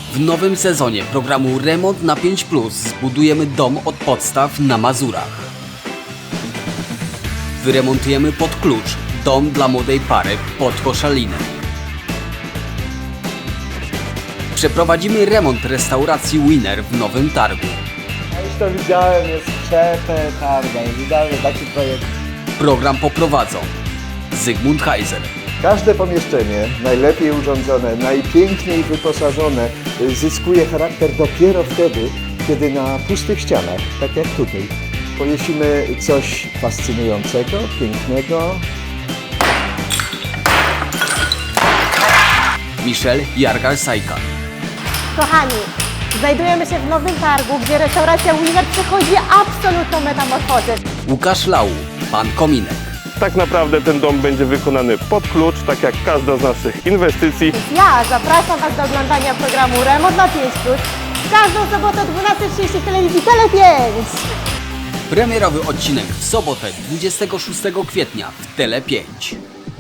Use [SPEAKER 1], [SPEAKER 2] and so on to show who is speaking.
[SPEAKER 1] W nowym sezonie programu Remont na 5+ zbudujemy dom od podstaw na Mazurach. Wyremontujemy pod klucz dom dla młodej pary pod Koszalinem. Przeprowadzimy remont restauracji Winner w Nowym Targu.
[SPEAKER 2] Ja już to widziałem, jest przepetarda, jest idealny taki projekt.
[SPEAKER 1] Program poprowadzą Zygmunt Heiser,
[SPEAKER 2] Każde pomieszczenie, najlepiej urządzone, najpiękniej wyposażone, zyskuje charakter dopiero wtedy, kiedy na pustych ścianach, tak jak tutaj, powiesimy coś fascynującego, pięknego.
[SPEAKER 1] Michelle Jargal-Sajka,
[SPEAKER 3] Kochani, znajdujemy się w Nowym Targu, gdzie restauracja Winner przechodzi absolutną metamorfozę.
[SPEAKER 1] Łukasz Lau, pan Kominek,
[SPEAKER 4] Tak naprawdę ten dom będzie wykonany pod klucz, tak jak każda z naszych inwestycji.
[SPEAKER 3] Ja zapraszam Was do oglądania programu Remont na 5+, w każdą sobotę o 12:30 w telewizji Tele5.
[SPEAKER 1] premierowy odcinek w sobotę 26 kwietnia w Tele5.